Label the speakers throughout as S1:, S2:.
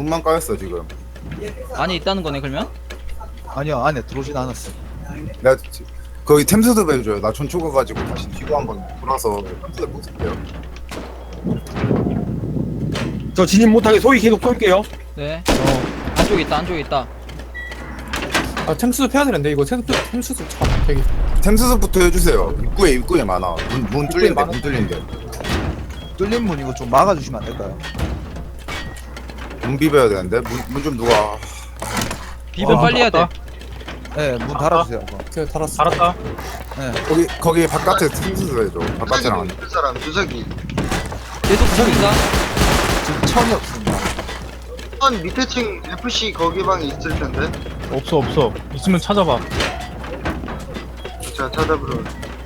S1: 문만 까였어 지금.
S2: 안에 있다는 거네 그러면?
S3: 아니요, 안에 들어오진 않았어.
S1: 내가 거기 템스도 해줘요. 나 전초 가가지고 다시 뒤로 한번 돌아서 템스도 보실게요.
S4: 저 진입 못하게 소위 계속 쏠게요.
S2: 네. 안쪽에 있다 안쪽에 있다.
S5: 아 템수습 해야 되는데 이거 템수습 참 되게
S1: 템스부터 해주세요. 입구에 많아. 문 뚫린데
S5: 많아?
S1: 문 뚫린데.
S3: 뚫린 문 이거 좀 막아주시면 안 될까요?
S1: 문 비벼야 되는데 문 좀 누가.
S2: 비벼 빨리 해야 돼.
S3: 네, 문 달아주세요. 이거.
S5: 그 달았어.
S4: 알았다.
S3: 네.
S1: 거기 바깥에 템스도 해줘. 바깥에랑 안.
S6: 그 사람 주석이
S2: 계속 중인가?
S3: 지금 천이 없습니다.
S6: 한 밑에 층 FC 거기 방에 있을 텐데.
S4: 없어. 있으면 찾아봐.
S6: 자 찾아보러.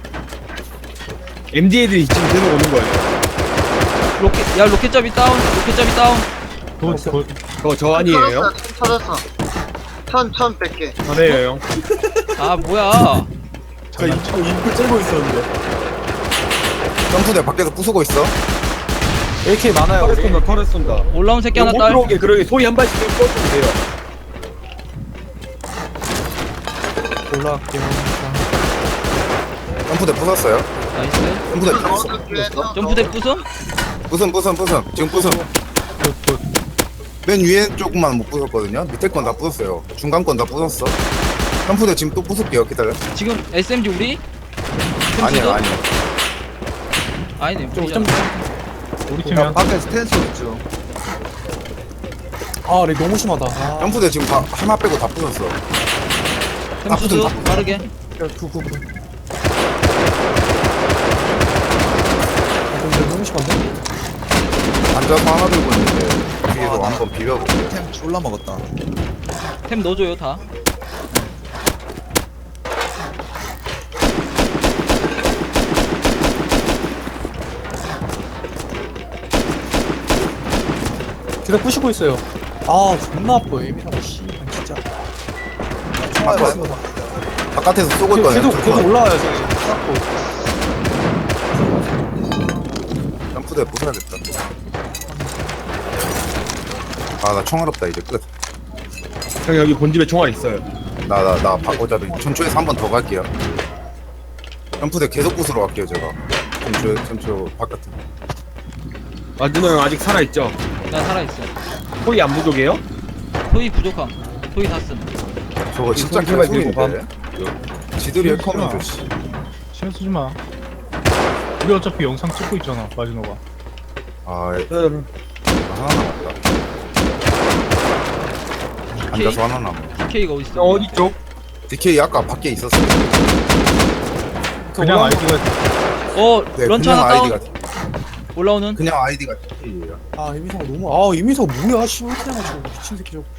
S4: MD 애들이 지금 계속 오는 거예요.
S2: 로켓 야 로켓잡이 다운. 로켓잡이 다운.
S4: 그거 저 아니에요?
S6: 찾았어. 1100개.
S4: 저네요, 형.
S2: 아 뭐야?
S5: 저 입구 찔고 있었는데.
S1: 점프대 밖에서 부수고 있어.
S5: AK 많아요
S4: 털에
S5: 우리.
S4: 쏜다, 털에 쏜다.
S2: 올라온 새끼 하나
S4: 못
S2: 딸.
S4: 들어오게 그러게 소리 한 발씩 좀 쏘면 돼요.
S5: 올라갈게요.
S1: 점프대 부쉈어요.
S2: 나이스.
S1: 점프대
S6: 어떻게
S2: 점프대 부쉈?
S1: 부쉈. 지금 부쉈. 맨 위에 조금만 못 부쉈거든요. 밑에 건 다 부쉈어요. 중간 건 다 부쉈어. 점프대 지금 또 부술게요. 기다려.
S2: 지금 SMG 우리?
S1: 아니요.
S2: 아니네.
S5: 좀
S2: 우리잖아.
S4: 우리
S3: 야,
S4: 팀이야.
S3: 밖에 스탠스 있죠.
S5: 아, 렉 너무 심하다. 아,
S1: 점프대 지금 다 하나 빼고 다 부쉈어.
S2: 템수도
S1: 나쁘든
S2: 빠르게.
S5: 구. 아, 렉 너무 심한데?
S1: 앉아서 하나 들고 있는데 뒤에서 한번 비벼볼게요.
S3: 템 졸라 먹었다.
S2: 템 넣어줘요 다.
S5: 계속 부시고 있어요. 아, 존나 아파. 에미사고 씨, 진짜.
S3: 총알
S1: 아까
S3: 많이
S1: 바깥에서 쏘고 있거든요.
S5: 계속 올라와요, 지금. 쌓고.
S1: 점프대 부숴야겠다. 아, 나 총알 없다. 이제 끝.
S4: 형 여기 본집에 총알 있어요.
S1: 나 바꿔잡이. 전초에서 한 번 더 갈게요. 점프대 계속 부수러 갈게요, 제가. 전초 바깥에.
S4: 마지노 형 아직 살아있죠?
S2: 나 살아있어.
S4: 소리 안 부족해요?
S2: 소위 부족함. 소위 다 쓴.
S1: 저거 진짜
S4: 손 제발
S1: 개소리인데. 지들이 컴퓨터 씨.
S7: 신경 쓰지 마. 우리 어차피 영상 찍고 있잖아, 마지노가.
S1: 아,
S4: 네.
S1: 하나 남았다. 앉아서 하나 남아.
S2: DK가 어딨어?
S4: 형 어디 쪽?
S1: DK 아까 밖에 있었어.
S7: 그냥 아이디가
S1: 네,
S2: 런처
S1: 그냥
S2: 하나 다운.
S1: 아이디가
S2: 올라오는.
S1: 그냥 아이디가 DK예요.
S5: 아, 에미사가 너무. 아, 에미사가 뭐야, 씨. 왜 이렇게 해가지고. 미친 새끼 저거.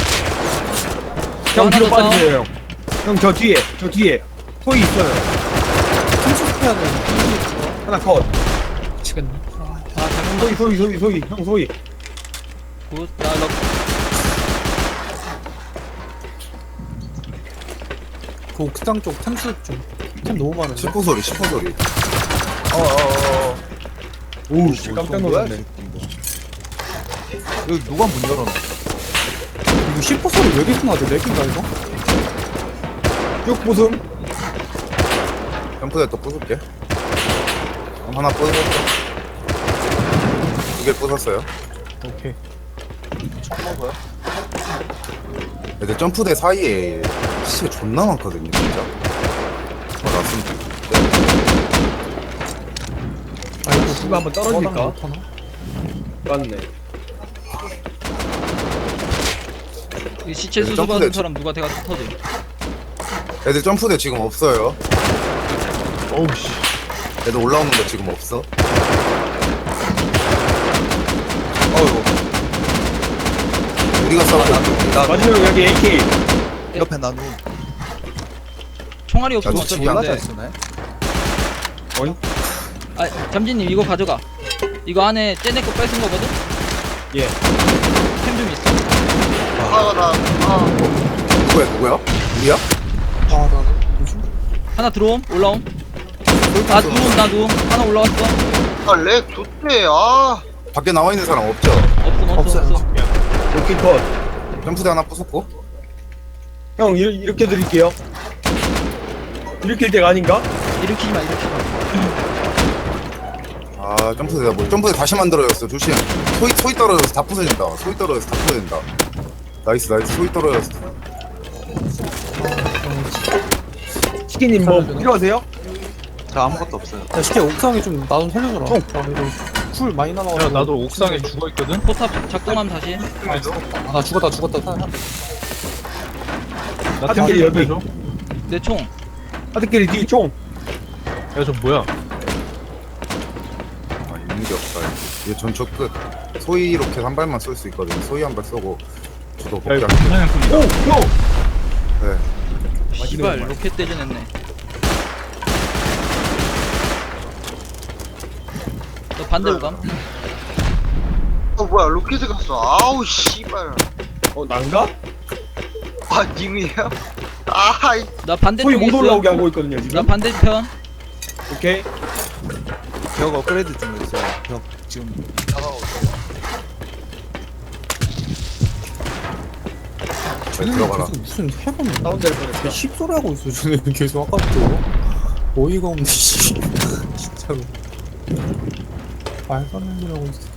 S4: 형 뒤로
S2: 하나 더
S4: 빠지세요 형. 형 저 뒤에 소리 있어요.
S5: 템수습 해야 돼.
S4: 하나 컷.
S5: 미치겠네.
S2: 아 잠깐만.
S4: 소리. 형 소리.
S2: 굿. 나 럭.
S5: 그 옥상 쪽 템수습 좀. 템 너무 많은데.
S1: 10호 소리.
S4: 오우 씨 깜짝 놀랐네.
S3: 여기 누가 문 열어놔?
S5: 이거 10% 소리 왜 이렇게 나지? 렉인가, 이거?
S4: 쭉 보슴.
S1: 점프대 또 부술게. 하나 부쉈어. 두개 부쉈어요.
S7: 오케이.
S1: 근데 점프대 사이에 시체 존나 많거든요, 진짜. 맞습니다.
S5: 아, 이거
S4: 이거 한번 떨어질까?
S5: 못하나?
S4: 맞네.
S2: 이 시체 수수
S1: 점프대
S2: 받은
S1: 지-
S2: 사람 누가 대가 터져.
S1: 애들 점프대 지금 없어요.
S7: 어우 씨.
S1: 애들 올라오는 거 지금 없어.
S3: 어이구.
S1: 우리가 싸우고 있는
S3: 나
S4: 마지노 형 여기 AK.
S3: 옆에 나누.
S2: 총알이 없으면
S1: 야,
S2: 어차피
S1: 진짜
S3: 졸라 잘
S2: 안돼.
S3: 쓰네.
S2: 아 잠진님 이거 가져가. 이거 안에 쟤네 거 뺏은 거거든?
S4: 예.
S2: 템 좀 있어.
S1: 누구야? 우리야?
S5: 아, 나. 뭐지?
S2: 하나 들어옴. 올라옴. 나 누움. 하나 올라왔어.
S6: 렉 좋대. 아
S1: 밖에 나와 있는 사람 없죠?
S2: 없음.
S5: 없어요.
S4: 오케이 컷.
S1: 점프대 하나 부쉈고.
S4: 형 이렇게 드릴게요. 이렇게 때가 아닌가?
S2: 일으키지 마, 일으키지 마.
S1: 아 점프대다 뭐 점프대 다시 만들어졌어. 조심. 소위 떨어져서 다 부서진다. 소위 떨어져서 다 부서진다. 나이스 소위 떨어졌어.
S4: 치킨님 뭐 필요하세요?
S3: 저 아무것도 없어요.
S5: 야 쉽게 옥상에 좀 나 좀 살려줘라. 나 이거 풀 많이 남아가지고.
S7: 야 나도 옥상에 죽어있거든?
S2: 포탑 작동함 다시.
S5: 아, 나 죽었다.
S7: 나
S4: 하드캐리
S7: 템
S4: 여기.
S7: 줘.
S2: 내 총.
S4: 하드캐리 뒤 총.
S7: 야저 뭐야?
S1: 아 있는 게 없다. 얘 전초 끝. 소위 로켓 한 발만 쏠 수 있거든. 소위 한 발 쏘고 저도
S7: 야
S1: 복귀.
S7: 이거 그냥 뿐이다.
S4: 오 형.
S1: 네.
S2: 씨발 로켓 대전했네. 너 반대로 감?
S6: 뭐야 로켓을 갔어. 아우 씨발.
S4: 난가?
S6: 아 님이에요? 아이
S2: 나 반대쪽에
S4: 소위 못
S2: 있어.
S4: 올라오게 하고 있거든요
S2: 나
S4: 지금.
S2: 반대편.
S4: 오케이.
S3: 벽 업그레이드 중에 있어요. 벽 지금
S1: 잘 들어가라.
S5: 계속 무슨 해본
S4: 다운될 뻔했어.
S5: 씹소리 하고 있어. 저는 계속 아까부터 어이가 없네. 씨. 진짜로. 말도 안 되는 소리 하고 있어.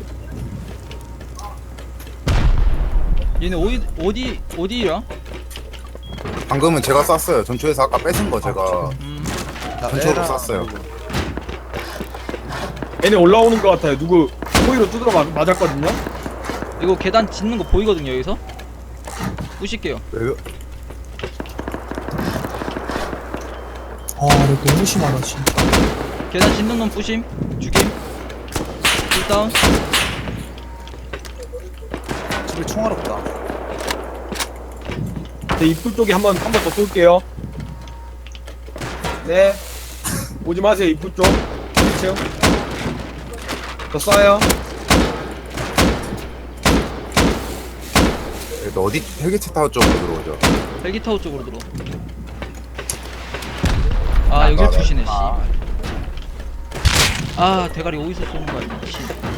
S2: 얘네 어디라?
S1: 방금은 제가 쐈어요. 전초에서 아까 뺏은 거 제가 전초로 쐈어요.
S4: 얘네 올라오는 것 같아요. 누구 소위로 두드려 맞았거든요.
S2: 이거 계단 짓는 거 보이거든요 여기서? 부실게요.
S1: 왜-
S5: 아, 이거 너무 심하다 진짜.
S2: 계단 짓는 놈 부심. 죽임. 풀다운.
S3: 집에 총알 없다.
S4: 제 입구 쪽에 한번 더 쏠게요. 네. 오지 마세요 입구 쪽. 그렇죠. 저 쏴요.
S1: 너 어디 헬기체 타워 쪽으로 들어오죠?
S2: 헬기타워 쪽으로 들어. 아 여길 투시네 씨. 아 대가리 어디서 쏘는 거야 미친.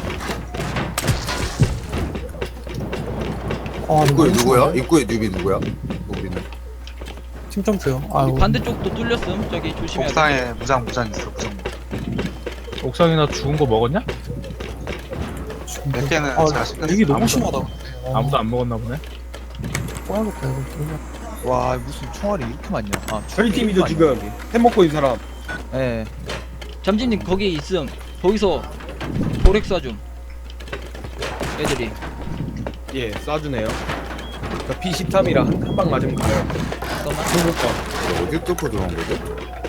S5: 아,
S1: 입구에 누구야? 입구에 뉴비 누구야? 우비는.
S5: 팀 점프요. 아,
S2: 반대쪽도 뚫렸음. 저기 조심해야 돼.
S3: 옥상에 무장 있어. 무장.
S7: 옥상이나 죽은 거 먹었냐?
S3: 몇 개는
S5: 아,
S3: 제가 씹는
S5: 이게 너무
S3: 아무도-
S5: 심하다.
S7: 아무도 안 먹었나 보네.
S5: 꺼야겠다 이거. 그러면.
S3: 와 무슨 총알이 이렇게 많냐? 아,
S4: 저희 팀이죠 지금. 햄 먹고 있는 사람.
S3: 예.
S2: 잠진님 거기 있음. 거기서 보렉 쏴줌. 애들이.
S4: 예, 쏴주네요. P13이라 한 방 맞으면 가요.
S2: 잠깐만.
S4: 중국 거.
S1: 어딜 뚫고 들어온 거지?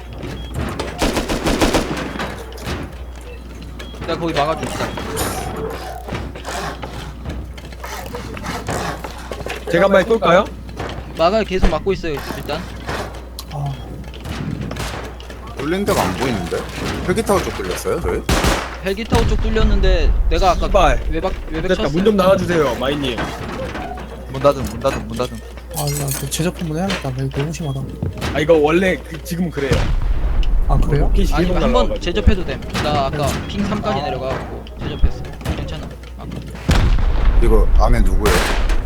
S2: 내가 거기 막아줍시다.
S4: 제가 한 발 쏠까요?
S2: 막아 계속 막고 있어요 일단.
S5: 아,
S1: 뚫린 데가 안 보이는데? 헬기 타워 쪽 뚫렸어요? 저희?
S2: 헬기타워 쪽 뚫렸는데 내가 아까
S4: 씨발.
S2: 외벽
S4: 됐다.
S2: 쳤어.
S4: 문 좀 나와주세요, 마이님.
S3: 문 닫음.
S5: 아, 나저 제작 한번 해야겠다. 이거 너무 심하다.
S4: 아 이거 원래 지금 그래요.
S5: 아, 그래요?
S4: 로켓이
S2: 아니
S4: 계속
S2: 한번
S4: 날라와가지고.
S2: 제접해도 됨. 나 아까 핑 3까지 내려가고 제접했어. 괜찮아. 아까.
S1: 이거 안에 누구예요?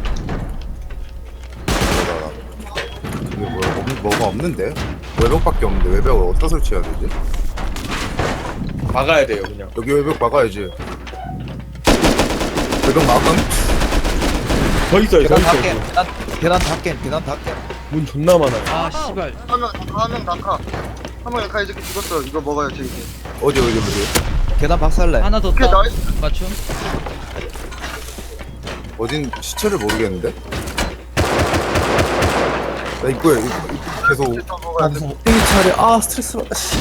S1: 이게 뭐가 없는데? 외벽밖에 없는데 외벽을 어디다 설치해야 되지?
S4: 막아야 돼요, 그냥.
S1: 여기 외벽 막아야지. 외벽 막음?
S4: 더 있어요, 더
S3: 계단 다
S4: 있어요.
S3: 깬. 계단 다 깬.
S4: 문 존나 많아요.
S2: 아 씨발.
S6: 한명 낙하. 한명 낙하 이렇게 죽었어. 이거 먹어요 제 이제.
S1: 어디?
S3: 계단 박살내.
S2: 하나 더
S6: 오케이
S2: 따.
S6: 나이스.
S2: 맞춤.
S1: 어딘 시체를 모르겠는데? 나 입구에 계속
S6: 더
S5: 아,
S6: 먹어야 돼.
S5: 무슨 옥땡이 차례. 아, 스트레스받다. 씨.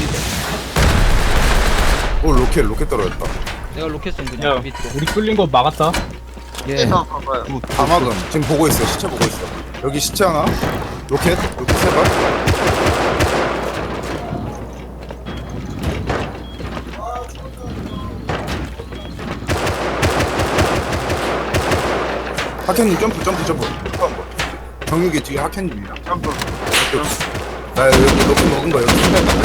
S1: 로켓 떨어졌다.
S2: 내가 로켓 쏜 그냥
S7: 야
S2: 밑으로.
S7: 우리 뚫린 거 막았다.
S3: 예.
S6: 다 봐봐요.
S1: 다막음 지금 보고 있어. 시체 보고 있어. 여기 시체 하나. 로켓 세 발. 하켄님 점프 한번. 정육이 뒤에 하켄님이야.
S6: 점프.
S1: 나 여기 로켓 먹은 거 여기 신발 딱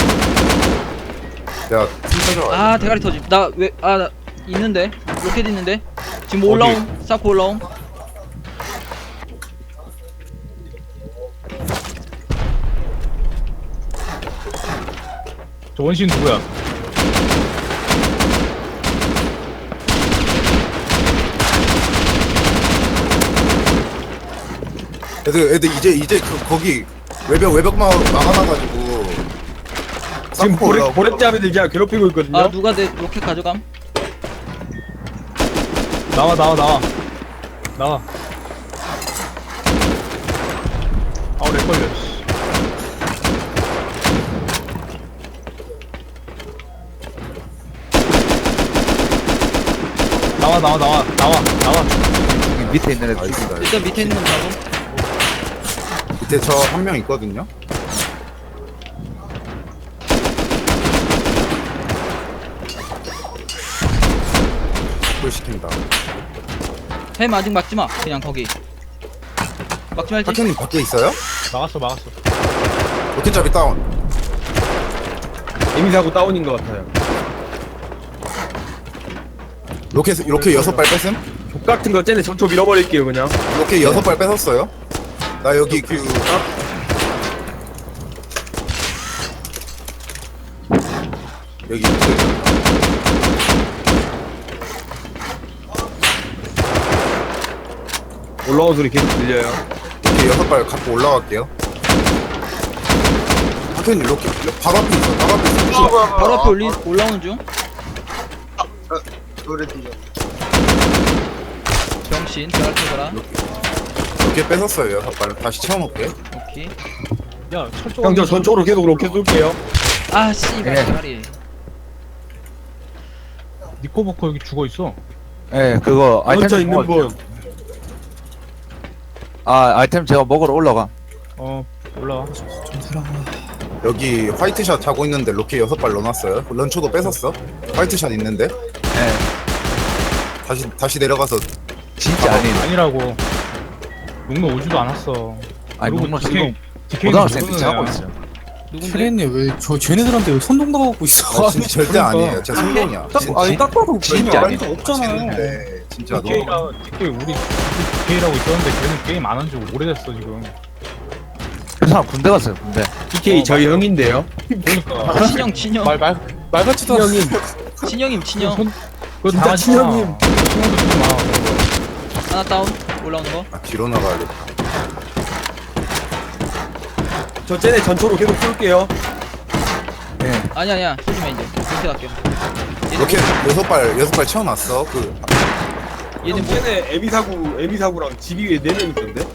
S1: 내가 팀 찾아와.
S2: 아 대가리 터짐. 나 있는데 로켓 있는데 지금 올라옴. 쌓고 올라옴.
S7: 저 원신 누구야?
S1: 애들 이제 거기 외벽 막아놔가지고
S4: 지금
S1: 쌓고 올라오고.
S4: 보렛잡이들 그냥 괴롭히고 있거든요.
S2: 아 누가 내 로켓 가져감?
S7: 나와. 아우 렉 걸려. 씨. 나와.
S3: 여기 밑에 있는 애들
S1: 알겠습니다.
S2: 일단 밑에 있는 건 잡음.
S1: 밑에 저 한 명 있거든요. 뭘 시킨다.
S2: 햄 아직 막지마. 그냥 거기. 막지 말지.
S1: 파케님 밖에 있어요?
S7: 막았어.
S1: 로켓잡이 다운.
S4: 에미사고 다운인 것 같아요.
S1: 로켓 6발 뺐음?
S4: 족 같은 거 쟤네 전초 밀어버릴게요 그냥.
S1: 로켓 6발 뺏었어요. 나 여기 여기
S4: 올라온 소리 계속 들려요.
S1: 이렇게 6발 갖고 올라갈게요. 파케님 로켓 바로 앞에 있어. 바로 앞에 있어.
S2: 바로 앞에 올라오는 중.
S6: 노래 들려.
S2: 병신. 잘 쳐봐라.
S1: 로켓 뺏었어요. 6발. 다시 채워놓을게.
S2: 오케이.
S7: 야 철조.
S4: 형 저 전초로 계속 로켓 쏠게요.
S2: 아 씨발
S3: 예.
S2: 대가리.
S7: 니코버커 여기 죽어 있어.
S3: 예 그거 아이템
S4: 먼저
S3: 좀
S4: 있는
S3: 먹을게요.
S4: 분.
S3: 아 아이템 제가 먹으러 올라가.
S7: 올라와.
S1: 여기 화이트샷 자고 있는데 로켓 6발 넣어놨어요. 런초도 뺏었어. 화이트샷 있는데
S3: 예
S1: 다시 내려가서
S3: 진짜 아니
S7: 아니라고. 용로 오지도 않았어.
S3: 아니
S7: 그리고
S3: 농로
S7: DK
S3: 지금 고등학생
S7: 누구는
S3: 때 하고
S7: 애야.
S3: 있어요.
S2: 누군데?
S5: 트레이님 왜 쟤네들한테 왜 선동당하고 있어?
S1: 아, 진짜 절대
S7: 그러니까.
S1: 아니에요. 제 성공이야.
S5: 아니 딱 봐도
S3: 진짜
S5: 말이
S3: 아니에요.
S5: 없잖아요.
S1: 네, 진짜 너무
S7: DK 우리 DK라고 있었는데 걔는 게임 안 한 지 오래됐어 지금.
S3: 그 사람 군대 갔어요 군대.
S4: DK 저희 형인데요.
S7: 그러니까.
S2: 친형.
S5: 말같지도 않은
S2: 친형임 친형.
S7: 그거
S4: 진짜
S7: 다
S4: 친형님.
S7: 친형도 좀 많아.
S2: 하나 다운. 올라오는 거.
S1: 뒤로 나가야겠다.
S4: 저 쟤네 전초로 계속 쏠게요.
S3: 예
S2: 아니야 쏘지 마 이제. 이렇게 갈게.
S1: 로켓 6발 채워놨어.
S2: 얘네 뭐
S4: 쟤네 에미사구랑 집이 위에 4명 있던데.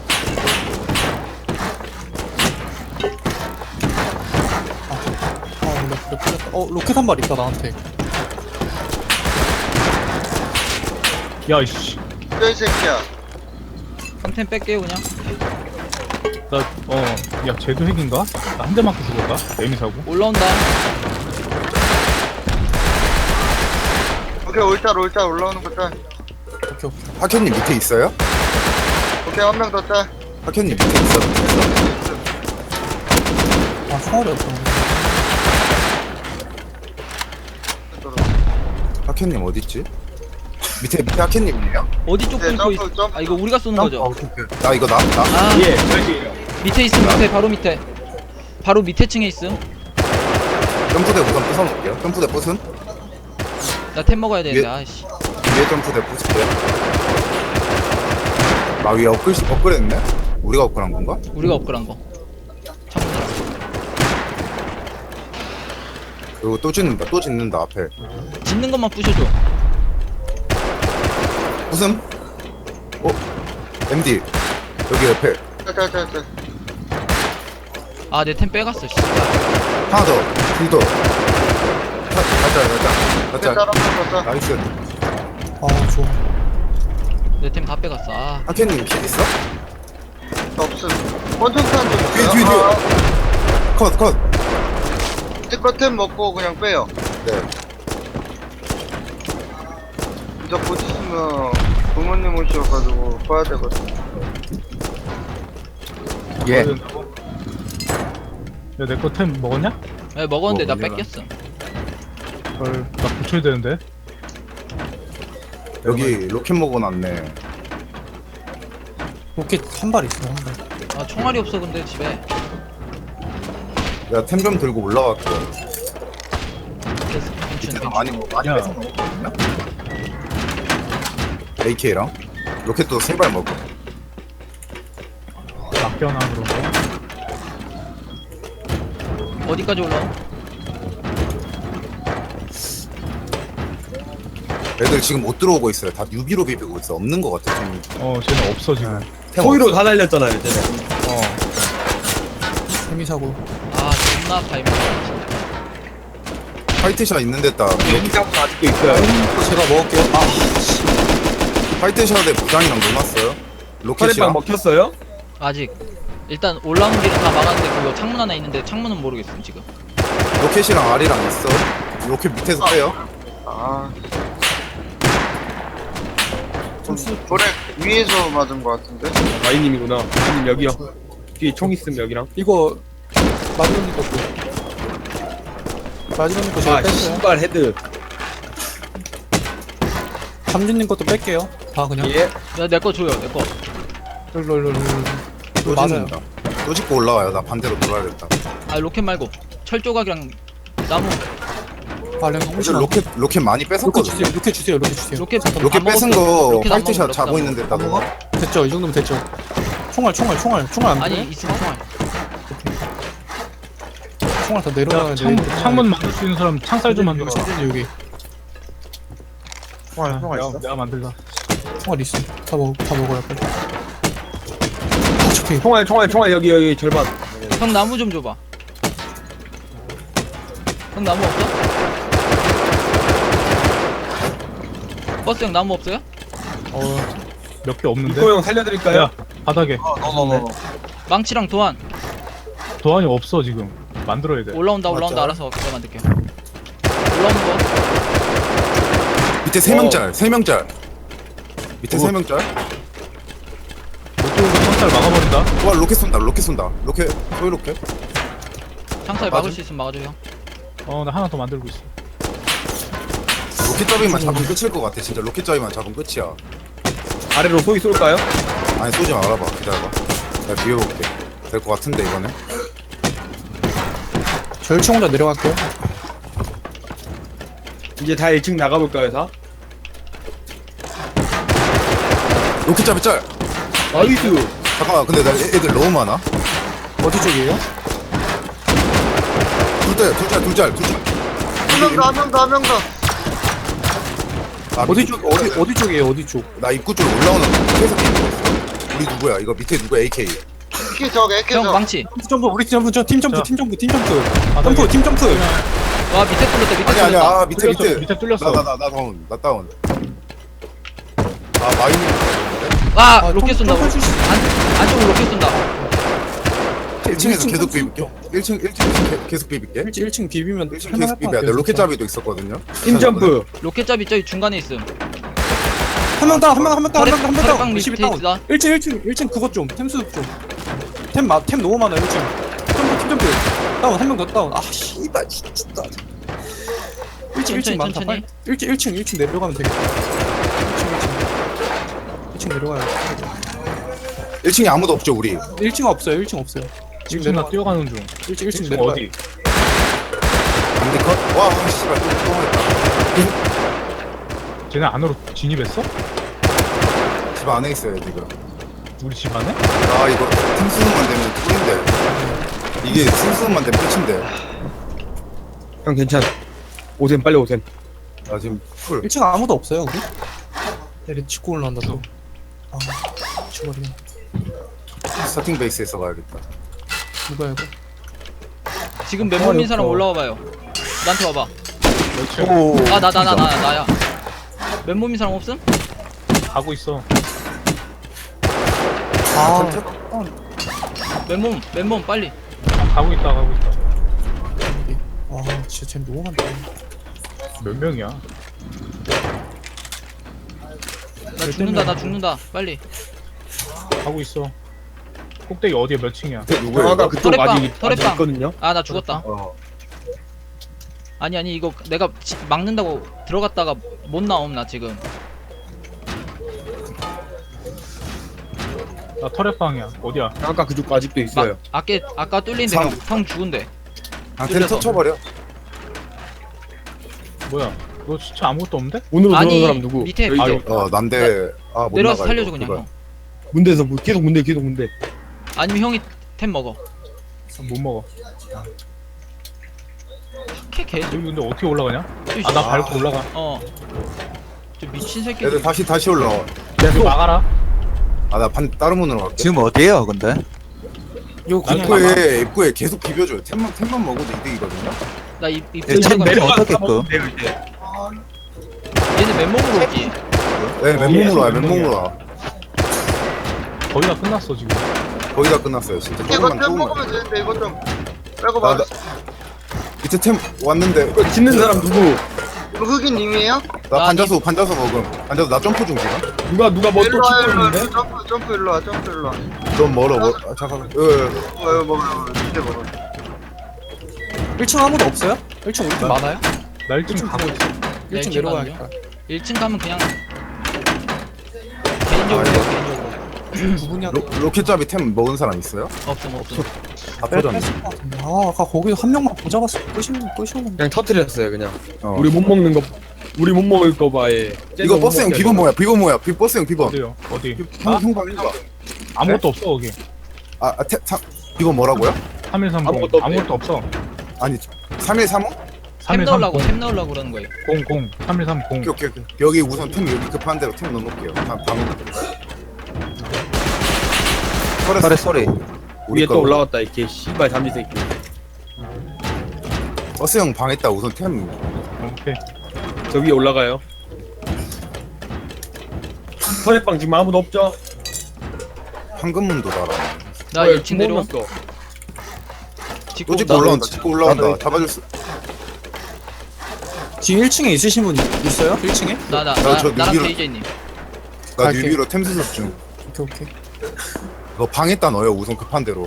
S5: 로켓 한 발 있다 나한테.
S7: 야이씨.
S6: 이 새끼야.
S2: 컨텐 뺄게요 그냥.
S7: 야 쟤도 핵인가? 나 한 대 맞고 죽었다. 에미 사고.
S2: 올라온다.
S6: 오케이 올짤 올라오는 거 짤.
S5: 오케이.
S1: 하켄님 밑에 있어요?
S6: 오케이 한 명 더 짤.
S1: 하켄님 밑에 있어.
S5: 아 총알이 없어.
S1: 하켄님 어딨지? 밑에 하켄님이에요?
S2: 어디 쪽
S6: 네,
S2: 끊고 있?
S6: 점프.
S2: 아 이거 우리가 쏘는 거죠?
S1: 나 이거 나?
S2: 아
S4: 예, 저희예요.
S2: 밑에 있음 밑에 바로 밑에. 바로 밑에 층에 있음.
S1: 점프대 우선 부숴놓을게요. 점프대 부순?
S2: 나 템 먹어야 되는데
S1: 예.
S2: 아이씨.
S1: 위에 점프대 부술게. 나 위에 업그레이드네? 우리가 업그레이드한 건가?
S2: 우리가 업글한 거. 창문이랑.
S1: 그리고 또 짓는다 앞에.
S2: 짓는 것만 부셔줘.
S1: 무슨? MD 여기 옆에
S6: 짤.
S2: 아 내 템 빼갔어 씨.
S1: 하나 더, 둘 더. 가자.
S6: 짤 한명더 짤.
S1: 나이스.
S5: 아 좋아.
S2: 내 템 다 빼갔어. 아
S1: 하켄님 킬 있어?
S6: 없음. 원통탄 좀 있어요?
S1: 뒤에.
S6: 아,
S1: 컷.
S6: 스커템 먹고 그냥 빼요.
S1: 네.
S6: 이제 곧 있으면 부모님 오셔가지고 봐야 되거든.
S3: 예.
S7: 야내 거 템 먹었냐?
S2: 네, 먹었는데 나
S1: 먹으려나?
S2: 뺏겼어.
S7: 나 고쳐야 되는데.
S1: 여기 로켓 먹어놨네.
S5: 로켓 한 발 있어 한 발.
S2: 아 총알이 없어 근데 집에.
S1: 야 템 좀 들고 올라갈게.
S2: 괜찮.
S1: 많이 많이
S7: 야.
S1: 뺏은 거 같거든요? AK랑 로켓도 3발 먹고.
S7: 맡겨놔 그런 거.
S2: 어디까지 올라와?
S1: 애들 지금 못 들어오고 있어요. 다 유비로 비비고 있어. 없는 거 같아. 좀
S7: 쟤는 없어 지금.
S1: 템
S4: 소위로 다 날렸잖아요 쟤네.
S5: 세미사고.
S2: 아 존나 파이브.
S1: 화이트샷 있는 데다
S4: 여기사고 아직도 있어요.
S5: 제가 먹을게요. 아,
S1: 화이트샷에 부장이랑 놀았어요.
S4: 터렛방
S1: 로켓이랑
S4: 먹혔어요?
S2: 아직 일단 올라오는 길은 다 막았는데 그거 창문 하나 있는데 창문은 모르겠음 지금.
S1: 로켓이랑 알이랑 있어. 로켓 밑에서 빼요.
S6: 아. 돌에 위에서 맞은 것 같은데?
S4: 마이님이구나. 마이님 여기요. 뒤에 총 있음 여기랑.
S5: 이거 마지막님 것도. 마지막님 거 제가
S4: 아
S5: 뺐어요.
S4: 신발 헤드.
S5: 삼진님 것도 뺄게요. 다 그냥.
S4: 예.
S2: 야 내 거 줘요 내 거.
S5: 롤롤롤롤.
S1: 또
S5: 맞아요.
S1: 짓는다. 또 짓고 올라와요. 나 반대로 돌아야겠다.
S2: 아 로켓 말고 철 조각이랑 나무.
S5: 아, 랭
S1: 요즘 로켓 많이
S5: 로켓
S1: 뺏었거든요.
S5: 주세요. 로켓 주세요. 로켓 주세요.
S2: 로켓
S1: 로켓
S2: 안
S1: 뺏은
S2: 먹었어.
S1: 거
S2: 로켓 안
S1: 화이트샷
S2: 먹었어,
S1: 자고
S2: 로켓 안
S1: 있는 데다가
S5: 됐죠. 이 정도면 됐죠. 총알 안
S2: 아니
S5: 돼?
S2: 있으면 총알.
S5: 총알 다
S7: 야
S5: 내려가야 돼.
S7: 창문 만들 수 있는 사람 창살 좀 만들어.
S5: 삼진이 여기.
S7: 야, 내가 만들다.
S5: 총알 있어. 다 먹어야 빨리. 아, 저기.
S4: 총알 여기 절반.
S2: 형 나무 좀 줘봐. 형 나무 없어? 버스 형 나무 없어요?
S7: 몇 개 없는데.
S4: 이거 형 살려드릴까요?
S7: 야 바닥에
S2: 망치랑 도안
S7: 도안이 없어 지금. 만들어야 돼.
S2: 올라온다
S1: 맞아.
S2: 알아서 내가 만들게. 올라오는 거.
S1: 밑에 3명짤 3명짤 밑에 3명짤
S7: 못 들어오게 창살 막아버린다.
S1: 와 로켓 쏜다 로켓 소위 로켓
S2: 창살 막을 수 있으면 막아줘 형.
S7: 나 하나 더 만들고 있어.
S1: 로켓 잡이만 잡으면 끝일 것 같아 진짜 로켓 잡이만 잡으면 끝이야
S4: 아래로 소위 쏠까요?
S1: 아니 쏘지 말아봐 기다려봐 내가 비워볼게 될 것 같은데 이번에
S5: 절총 혼자 내려갈게요.
S4: 이제 다 1층 나가볼까요 다?
S1: 로켓 잡이 짤
S4: 나이스.
S1: 잠깐만 근데 나 애들 너무 많아
S5: 어디 쪽이에요?
S1: 둘짤
S6: 한 명 더.
S1: 아,
S5: 어디 쪽? 어디 쪽이에요? 어디 쪽?
S1: 나 입구 쪽으로 올라오는 거 계속 있는 거 있어 우리 누구야 이거 밑에 누구 AK
S6: 이렇게 저거, 이렇게
S2: 형
S6: 저거.
S2: 망치.
S5: 점프 우리 팀 점프 팀 점프
S7: 자.
S5: 팀 점프 팀 점프
S7: 바닥에.
S5: 점프 팀 점프.
S2: 와 밑에 뚫렸다 밑에
S1: 아니야
S2: 뚫렸다.
S1: 아 밑에
S7: 밑에 뚫렸어.
S1: 나 다운 아 마이님
S2: 아 로켓 쏜다.
S5: 점프 줄 수-
S2: 안쪽으로 로켓 쏜다.
S1: 1층에서 계속 비빌게 1층 계속 비빌게
S5: 1층 비비면
S1: 1층 계속 비벼야 돼 로켓 잡이도 있었거든요
S4: 팀점프.
S2: 로켓 잡이 저기 중간에 있음.
S5: 한명 다운 한명 다운
S2: 터렛- 터렛방
S5: 다운
S2: 밑에
S5: 20이 다운
S2: 있다.
S5: 1층 그것 좀 템수 좀템 너무 많아 1층 팀 점프 다운 한 명 더 다운 아 씨발 진짜 1층 많다
S2: 천천히.
S5: 빨리 1층 내려가면 되겠다 1층 내려가야 돼
S1: 1층에 아무도 없죠 우리
S5: 1층 없어요 1층 없어요 지금
S7: 지금 나
S5: 내려가
S7: 뛰어가는 중.
S5: 1층
S7: 지금
S5: 내려가
S7: 어디?
S1: 안디컷? 와 씨발 또 했다
S7: 쟤네 안으로 진입했어?
S1: 집 안에 있어요 지금
S7: 우리 집 안에?
S1: 아 이거 팀수능만 되면 꿀인데 이게 팀수능만 되면 끝인데
S4: 형 괜찮아. 오셈 빨리 오셈.
S1: 나 지금 풀
S5: 1층 아무도 없어요 우리? 내리 짚고 올라온다 또 아, 미쳐버리네
S1: 스타팅 베이스에서 가야겠다
S5: 누가 이거
S2: 지금 맨몸인 사람 올라와 봐요. 나한테 와봐.
S1: 오
S2: 나야. 맨몸인 사람 없음?
S7: 가고 있어.
S5: 아
S2: 맨몸 빨리.
S7: 가고 있다.
S5: 와 진짜 쟤 너무 많다
S7: 몇 명이야?
S2: 나 죽는다. 빨리.
S7: 가고 있어. 꼭대기 어디야 몇 층이야?
S1: 누구야
S4: 아까
S1: 이거?
S4: 그쪽
S2: 터렛방,
S4: 아직
S2: 터렛방.
S4: 있거든요.
S2: 아 나 죽었다. 아니 이거 내가 막는다고 들어갔다가 못 나옴 나 지금.
S7: 나 터렛방이야. 어디야?
S4: 아까 그쪽 아직도 있어요.
S2: 아까 뚫린데
S1: 삼.
S2: 형 죽은데.
S1: 안테를
S2: 뚫려서.
S1: 터쳐버려
S7: 뭐야? 너 진짜 아무것도 없는데?
S4: 문으로 들어온
S2: 아니
S4: 사람 누구?
S2: 밑에
S4: 여기
S7: 아유.
S4: 있죠.
S1: 난데 못
S2: 내려와서
S1: 나가,
S2: 살려줘
S1: 이거.
S2: 그냥
S1: 그거.
S2: 형.
S4: 문대에서 뭐 계속 문대.
S2: 아니면 형이 템 먹어.
S7: 못 먹어.
S2: 걔
S7: 여기 근데 어떻게 올라가냐? 아, 나 밟고 올라가.
S2: 저 미친 새끼.
S1: 애들 다시 올라와.
S7: 여기 막아라.
S1: 나 다른 문으로 갈게.
S3: 지금 어디에요 근데?
S5: 이거 그냥
S1: 입구에 계속 비벼줘요. 템만 먹어도 이득이거든요.
S2: 나입
S3: 예, 참 내려 어떻게끔?
S2: 얘는 맨몸으로 오지.
S1: 네, 맨몸으로 와, 맨몸으로 와.
S7: 거의 다 끝났어 지금.
S1: 거의 다 끝났어요. 진짜
S6: 이거
S1: 조금만
S6: 템
S1: 조금만.
S6: 먹으면 되는데 이거 좀 빼고
S1: 나-
S6: 봐.
S1: 밑에 템 왔는데
S4: 이거 짓는 사람 누구?
S6: 이거 흑인님이에요?
S1: 나 반자수 먹음. 반자수 나 점프 중 지금.
S4: 누가 뭐 또
S6: 일로 와
S4: 짓고
S6: 일로 와
S4: 있는데?
S6: 점프 일로 와 점프 일로 와.
S1: 좀 멀어. 잠깐만.
S6: 이거 먹어 밑에 먹어.
S5: 1층 아무도 없어요? 1층 우리 팀 많아요?
S7: 나 1층 가고 있어.
S5: 1층 내려가야겠다.
S2: 1층 가면 그냥 개인적으로
S1: 아,
S2: 개인적으로
S5: 누구냐?
S1: 로켓잡이 템 먹은 사람 있어요?
S2: 없음.
S1: 다 터졌네.
S5: 아까 거기서 한 명만 못 잡았어. 끄시면.
S4: 그냥 터트렸어요 그냥.
S1: 어.
S4: 우리 못 먹을 거 봐에.
S1: 이거 버스형 비번 뭐야? 버스형 비번.
S7: 어디요? 어디?
S1: 형방 일봐.
S7: 아무것도 없어 거기.
S1: 비번 뭐라고요?
S7: 3130
S4: 아무것도 없네.
S7: 아무것도 없어.
S1: 아니 3135?
S2: 템 넣으려고
S7: 3130
S2: 템 넣으려고 그러는 거예요.
S7: 00 3130
S1: 오케이. 여기 우선 템 여기 급한 대로 템 넣어놓을게요.
S3: 소리 소리.
S4: 위에 또 올라왔다 이렇게 씨발 잠지 새끼.
S1: 버스형 방했다. 우선 템.
S7: 오케이.
S4: 저 위에 올라가요. 터렛방 지금 아무도 없죠?
S1: 황금문도 달아.
S2: 나 1층 내려와.
S1: 또 찍고 올라온다. 찍고 올라온다. 잡아줄 수.
S5: 지금 1층에 있으신 분 있어요? 1층에?
S2: 나나
S1: 저
S2: 나랑
S1: 뉴비로-
S2: KJ님.
S1: 나
S5: 갈게.
S1: 뉴비로 템 수습 중.
S5: 오케이.
S1: 너 방에다 넣어요. 우선 급한 대로.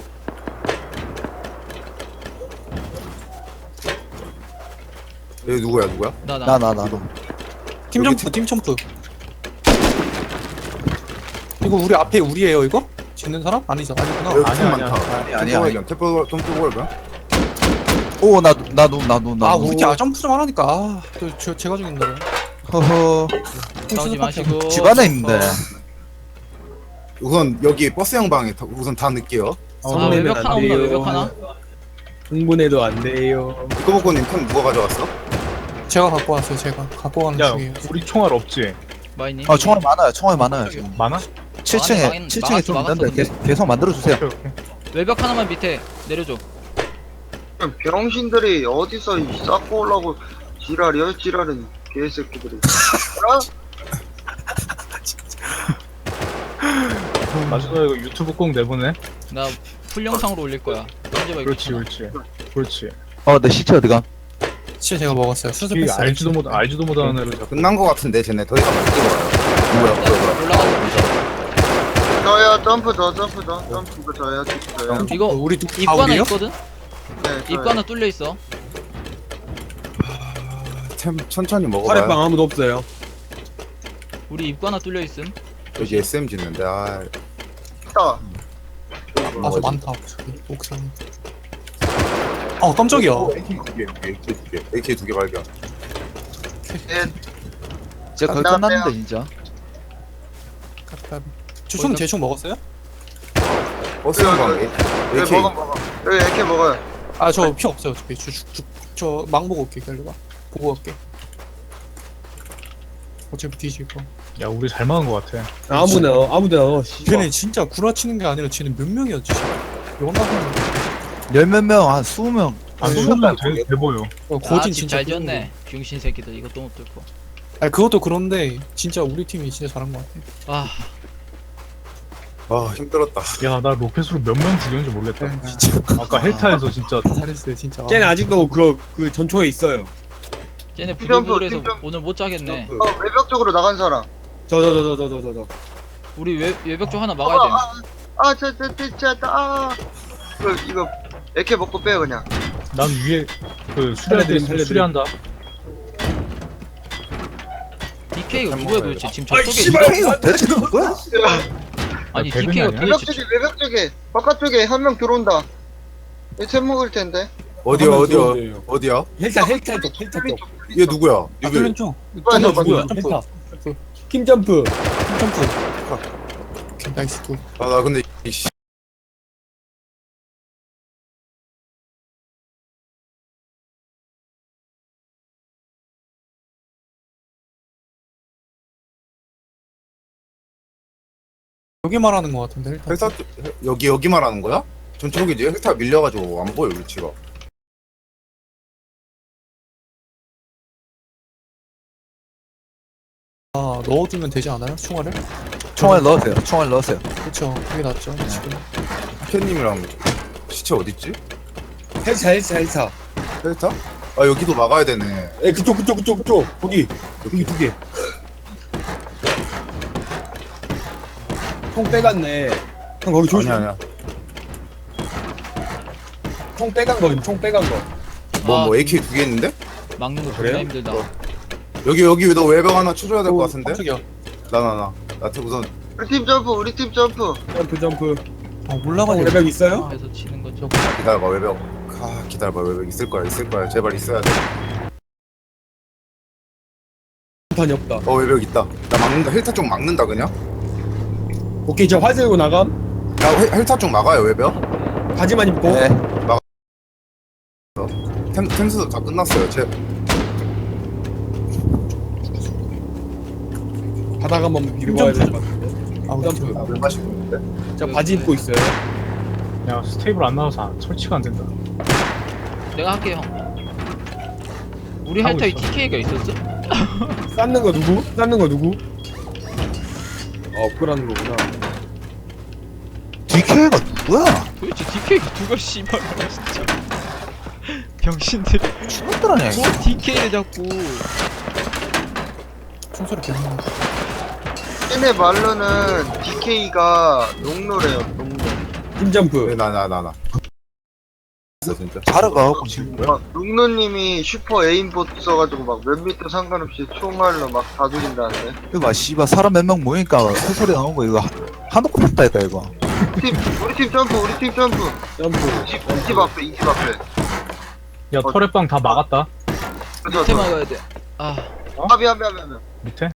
S1: 얘 누구야?
S2: 나나.
S3: 나도.
S5: 팀 점프. 이거 우리 앞에 우리예요 이거? 짓는 사람? 아니죠. 아니구나.
S1: 여기 템
S7: 아니야,
S1: 많다.
S3: 아니야.
S1: 템 뽑을 거야?
S3: 오 나도.
S5: 아 우리 팀 점프 좀 하라니까. 제가 죽인다.
S3: 허허.
S2: 싸우지 마시고.
S3: 집 안에 있는데.
S1: 우선 여기 버스형 방에 우선 다 넣을게요.
S2: 아 외벽 하나 없나 외벽 하나?
S4: 흥분해도 안 돼요.
S1: 이거보고님 템 누가 가져왔어?
S5: 제가 갖고 왔어요. 제가 갖고 가는
S7: 야
S5: 중이에요.
S7: 우리 총알 없지?
S2: 마이님.
S3: 총알 많아요 지금.
S7: 많아?
S3: 7층에 좀 있는데
S2: 막았어,
S3: 계속 만들어 주세요.
S7: 오케이.
S2: 외벽 하나만 밑에 내려줘.
S6: 병신들이 어디서 쌓고 오려고 지랄은 개새끼들이.
S7: 마지막에 이거 유튜브 꼭 내보내.
S2: 나 풀 영상으로 올릴 거야. 던져봐 이거.
S7: 그렇지.
S3: 내 시체 어디가?
S5: 진짜 제가 먹었어요.
S7: 이
S5: 수습했어요.
S7: 알지도 못하는 애를 자꾸.
S1: 끝난 거 같은데 쟤네 더 이상 못 들어와요. 뭐야?
S2: 올라가고.
S6: 저요 점프 이거 저요.
S2: 이거
S5: 우리
S2: 입구 하나
S5: 우리요?
S2: 있거든?
S6: 네,
S2: 입구 하나 뚫려 있어.
S1: 템 천천히 먹어봐요.
S4: 터렛방 아무도 없어요.
S2: 우리 입구 하나 뚫려 있음.
S1: 여기 SM 짓는데
S6: 있다.
S5: 아저 많다. 저기 옥상에. 깜짝이야.
S1: AK 두 개 발견.
S3: 진짜 거의 끝났는데 진짜.
S5: 주총 대충 먹었어요?
S1: 버스형 방에 AK
S6: 먹어. 여기 이렇게 먹어요.
S5: 아 저 피 없어요. 어차피 저망 보고 올게. 기다려봐. 보고 갈게. 어차피 뒤질 거.
S7: 야 우리 잘 막은 것 같아.
S4: 아무데나.
S5: 걔네 진짜 구라치는 게 아니라 쟤는 몇 명이었지? 영락은
S3: 열몇 명, 한 20명.
S7: 아
S3: 아니,
S7: 수면 돼 보여.
S5: 거진
S2: 집
S5: 진짜
S2: 잘 지었네. 병신 새끼들 이것도 못 뚫고.
S5: 아니 그것도 그런데 진짜 우리 팀이 진짜 잘한 것 같아.
S1: 힘들었다.
S7: 야 나 로켓으로 몇 명 죽였는지 모르겠다.
S5: 진짜
S7: 아까 헬타에서 진짜
S5: 잘했어요 진짜.
S4: 쟤는 아직도 그 전초에 있어요.
S2: 쟤네
S6: 팀점프,
S2: 부들부들해서
S6: 팀점프.
S2: 오늘 못 자겠네.
S6: 외벽 쪽으로 나간 사람.
S4: 저.
S2: 우리 외벽 쪽 하나 막아야 돼.
S6: 이거 이렇게 먹고 빼요 그냥.
S7: 난 위에 그
S4: 살려드림.
S7: 수리한다.
S2: DK가 누구야 도대체? 지금 저쪽에
S3: 이거 대체 누구야?
S2: 아니
S7: 배근이
S2: DK가
S7: 아니야?
S6: 외벽
S2: 도대체
S6: 쪽에 바깥쪽에 한 명 들어온다. 이템 먹을 텐데.
S1: 어디야
S4: 한번
S1: 어디야
S4: 들어오세요.
S1: 어디야?
S4: 헬타 쪽
S1: 얘 누구야?
S5: 아
S1: 뉴비.
S5: 뚫린 쪽
S6: 빨리
S4: 점프
S6: 누구야?
S4: 헬타 킴 점프
S5: 점프 오케이 나이스 굿
S1: 아나 근데 이씨.
S5: 여기 말하는 거 같은데 일단
S1: 헬타 여기 말하는 거야? 전체 여기지 헬타 밀려가지고 안 보여 위치가.
S5: 아 넣어주면 되지 않아요? 총알을?
S3: 총알 넣으세요. 총알 넣으세요.
S5: 그쵸 그게 낫죠 지금
S1: 캣님이랑 시체 어딨지?
S4: 헬타
S1: 헬타? 아 여기도 막아야 되네.
S4: 에 그쪽 거기 두개 총 빼갔네 형 거기 조심
S1: 아니야.
S4: 총 빼간 거
S1: 뭐 AK 2개 있는데?
S2: 막는 거 존나
S4: 그래요?
S2: 힘들다.
S1: 여기 너 외벽 하나 쳐줘야 될 것 같은데?
S5: 깜짝이야
S1: 나 우선
S6: 우리 팀 점프.
S4: 점프
S5: 아 올라가냐
S4: 레벨 있어요?
S2: 그래서 치는 거죠.
S1: 기다려봐 외벽. 기다려봐 외벽 있을 거야 제발 있어야 돼.
S4: 판이 없다
S1: 외벽 있다. 나 막는다. 헬타 쪽 막는다 그냥.
S4: 오케이 저 화재 들고 나감
S1: 야 헬타 쪽 막아요 외벽.
S4: 바지만 입고
S3: 네.
S1: 템수도 다 끝났어요.
S4: 바닥 한번 비비고 와야 될 것 같은데
S5: 아
S4: 점프
S1: 물 마시고 있는데.
S4: 저 바지 입고 있어요
S7: 야 스테이블 안 나와서 설치가 안 된다.
S2: 내가 할게 형. 우리
S7: 하고
S2: 헬타에
S7: 있어.
S2: TK가 있었어?
S4: 쌓는 거 누구? 업그라는 거구나
S3: DK가 누구야?
S2: 도대체 TK가 누가 씨발 진짜. 병신들.
S3: 죽었들 아니야 이거.
S2: 뭐 TK를 자꾸.
S5: 총소리 계속 나는데
S6: 얘네 말로는 DK가 농노래요, 농노.
S4: 팀 점프
S1: 나. 진짜.
S3: 자르가갖고 지금 뭐야?
S6: 막 농노님이 슈퍼 에임봇 써가지고 막 몇 미터 상관없이 총알로 막 다 죽인다는데.
S3: 이거 봐 씨발 사람 몇 명 모이니까 소리 나온 거 이거 한옥 같다니까 이거.
S6: 우리 팀 점프.
S4: 점프
S6: 이집 앞에.
S7: 야 터렛방 다 막았다.
S6: 그래서
S2: 밑에 막아야 돼. 아
S6: 미안.
S7: 밑에?